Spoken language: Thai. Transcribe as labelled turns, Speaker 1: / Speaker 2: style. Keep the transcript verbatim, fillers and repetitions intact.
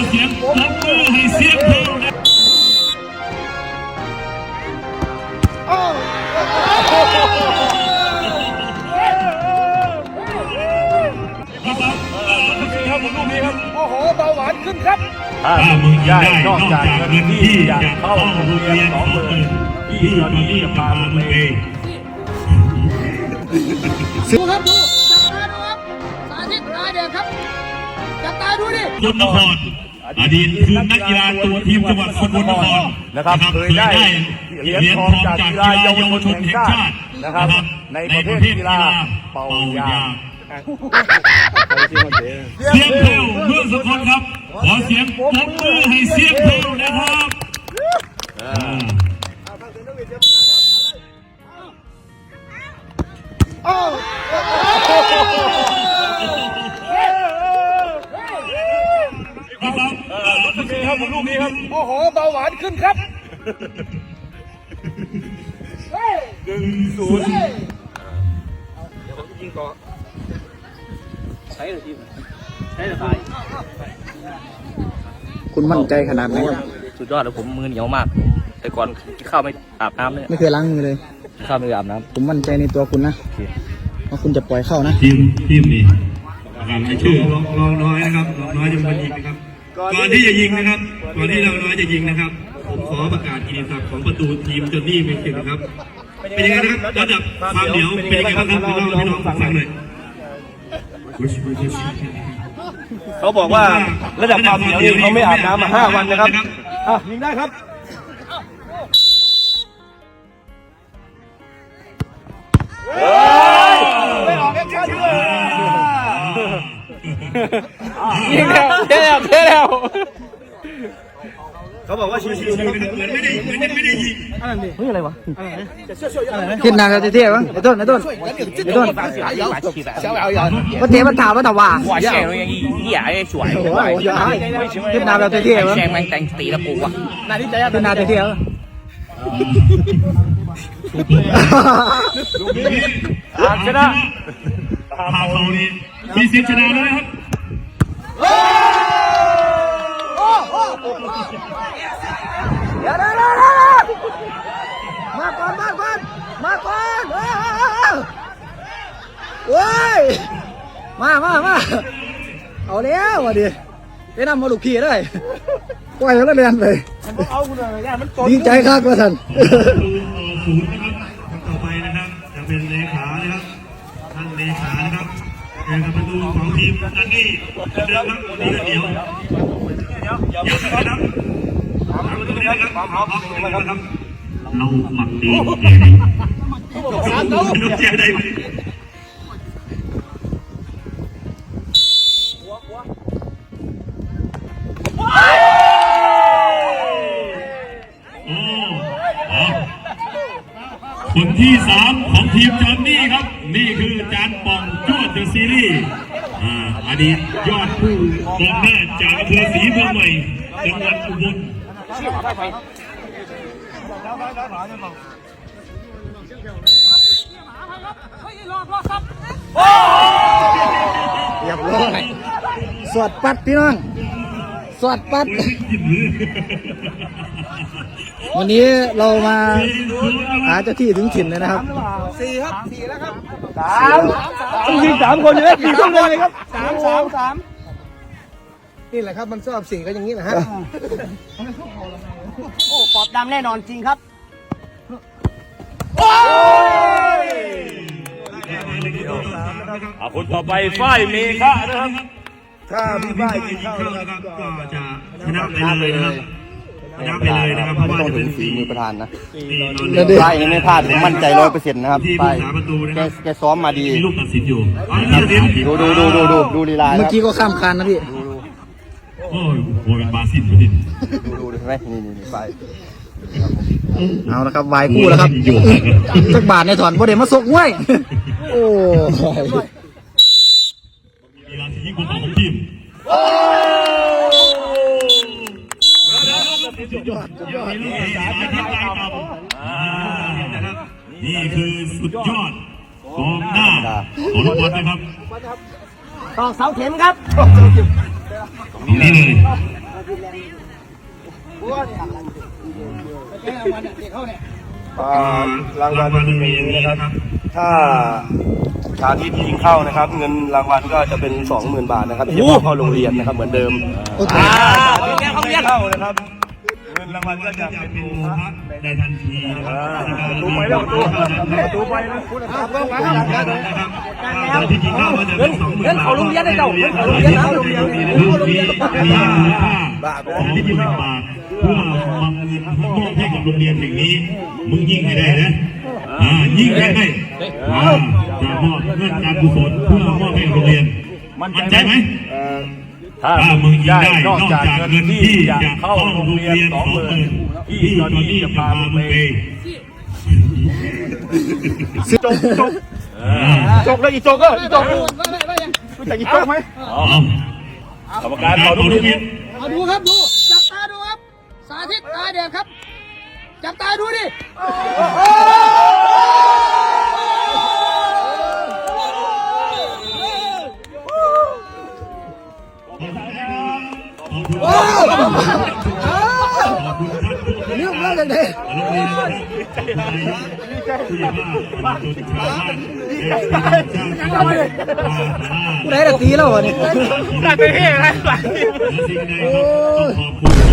Speaker 1: เสียงปรบมือให้เสียงเพลงนะ
Speaker 2: ครับผมลูกนี้ครับโอ้โหเบาหวานขึ้นครับ
Speaker 1: ถ้ามึงได้นอกจากเงินที่จะเข้าโรงเรียนสองหมื่นที่ตอนนี้จะพามึงไป
Speaker 3: ดูครับดูจับตาดูครับสาธิตตาเด็กครับจับตาดูดิ
Speaker 1: สกลนครอดีตคือนักกีฬาตัวทีมจังหวัดสกลนคร
Speaker 2: นะครับเคยได้เหรียญทองจากกีฬาเยาวชนแห่งชาตินะครับในประเภทกีฬาเป่ายาง
Speaker 1: เสียงเพลวเมืองสกลครับขอเสียงปรบมือให้เสียงเพลวนะครับ
Speaker 2: ครับผมลูกนี้ครับโอ้โหเบาหวานขึ้นครับหนึ่งศูนย์เดี๋ยวผมยิงต่อใช้เลยทีมใช้เลยตาย
Speaker 4: คุณมั่นใจขนาดไหนครับ
Speaker 5: สุดยอดเลยผมมือเหนียวมากแต่ก่อนกินข้าวไม่อาบน้ำเลย
Speaker 4: ไม่เคยล้างมือเลย
Speaker 5: ข้าวไม่อาบน้ำ
Speaker 4: ผมมั่นใจในตัวคุณนะว่าคุณจะปล่อยเข้านะ
Speaker 1: ทีมทีมนี้รายชื่อลองลองน้อยนะครับลองน้อยจะมายิงนะครับก่อนที่จะยิงนะครับก่อนที่เราน้อยจะยิงนะครับผมขอประกาศกิตติศักดิ์ของประตูทีมจนนี่เป็นสิบนะครับเป็นยังไงนะครับระดับความเหนียวเป็นยังไงบ้างครับพี่น้องพี่น้องฟังหน่อย
Speaker 2: เขาบอกว่าระดับความเหนียวนี่เขาไม่อาบน้ำมาห้าวันนะครับอ่ะยิงได้ครับไม่ออกแอคชั่นด้วยยิงแล้วเท่แล้วเท่แล้วเขาบอกว่าชิวๆเหมือนไม่ได้เหมือนไม่ได้ยิง
Speaker 4: อะไรนี่เฮ้ยอะไรวะขึ้นนางจะเท่บ้างไอ้ต้นไอ้ต้นไอ้ต้นก็เท่มันถามว่าแต่ว่า
Speaker 5: 哇塞一一眼就甩
Speaker 4: ขึ้นนางจะเท่บ้าง
Speaker 5: แซงมันแต่งตีละปูอ่ะ
Speaker 4: นาที่จะขึ้นนางจะเท่
Speaker 1: อ่านชนะพาเขานี่มีสิทธิ์ชนะแล้วนะครับ
Speaker 4: เดี๋ยวเดี๋ยวมาก่อนมาก่อนมาก่อนเฮ้ยมามามาเอาแล้ววะดิไปนำมาลูกขี่ได้ปล่อยแล้วเรียนเลยดีใจครับว่าท่าน
Speaker 1: ศูนย์นะครับต่อไปนะครับจะเป็นเลขานะครับท่านเลขานะครับเป็นประตูของทีมนันนี่เดิมครับวันนี้ก็เดียวเดี๋ยวนะครับประตูนี้นะครับเอาเอาเอาครับเราหมักดีเจดีลูกเจได้ไหมคนที่สามของทีมจอนนี่ครับนี่คือจานป่องจวดเดอะซีรีส์อดีตยอดผู้กองหน้าจากอำเภอศรีเมืองใหม่จังหวัดอุบล
Speaker 4: เรียบร้อยสวดปัดพี่น้องสวดปัดวันนี้เรามาหาเจ้าที่ถึงถิ่นเลยนะครับ
Speaker 2: สี่ครับสี่แล้วครับสามต้องยิงสามคนเลยสี่ต้องเลยครับสามสามสามนี่แหละครับมันชอบสี่ก็อย่างนี้แหละฮะ
Speaker 3: โอ้ปอบดำแน่นอนจริงครับ
Speaker 2: โอ้ย
Speaker 1: เอาคนต่อไปฝ้ายเมฆะนะครับ
Speaker 2: ถ้าพี่ฝ้ายกินข้าว
Speaker 1: นะครับก็จะชนะไปเลยนะครับชนะไปเลยนะครับเพราะว่า
Speaker 4: ต้องถึงฝีมือประธานนะ
Speaker 1: ฝ้าย
Speaker 4: ยังไม่พลาดผมมั่นใจร้อยเปอร์เซ็นต์นะครับฝ้ายแกแกซ้อมมาดี
Speaker 1: มีลูกตัดสินอยู่
Speaker 4: ดูดูดูดูดูดูลีลาเมื่อกี้ก็ข้ามคานนะพี่
Speaker 1: โอ้ยโวยเป็นบาซิลอยู่ดิ
Speaker 4: ดูดูดูไหมนี่นี่นี่ฝ้ายเอาละครับวายคู่แล้วครับสักบาทในถอนประเดี๋ยวมาซกห้วยโอ้
Speaker 1: มีลานที่ยิ่งกว่าของทีมสุดยอดสุดยอดนี่คือสุดยอดกองหน้าของลูกบอลนะครับ
Speaker 3: ตอกเสาเข็มครับ
Speaker 1: นี่เลย
Speaker 2: อ่ารางวัลมีนะครับ ถ้าสาธิตยิงเข้านะครับ เงินรางวัลก็จะเป็นสองหมื่นบาทนะครับที่จะเข้าโรงเรียนนะครับเหมือนเดิมอ่าสาธิตเข้าเรียนเข้านะครับเงินรางวัลก็จะเป็นโมฆะได้ทันทีนะครับประตูไปแล้วประตูประตูไปนะคุณนะครับก็มานะครับสาธิตยิงเข้าก็จะเป็นสองหมื่นบาทเงินเขาโรงเรียนได้เจ้าเงินเขาโรงเรียนนะโรงเรียนมีมีมีค่าสาธิตยิงเข้ามาเพื่อมอบเงินมอบให้กับโรงเรียนแห่งนี้มึงยิงให้ได้นะอ่ายิงให้ได้อ่าจะมอบเงินการกุศลเพื่อมอบให้โรงเรียนมั่นใจไหมถ้ามึงยิงได้นอกจากเงินที่จะเข้าโรงเรียนสองหมื่นที่ตอนนี้จะพามึงไปจกจกจกเลยอีจกก็อีจกรู้จักอีจกไหมกรรมการต่อทุกที
Speaker 3: เอาดูครับดูจับตาดูครับสาธิตตาเด็กครับจับตาดูดิ
Speaker 4: นิ้วมาจากไหนผู้ใดจะตีแล้ววะเนี่ย
Speaker 2: ได้ไปเฮ้ยอะไรโอ้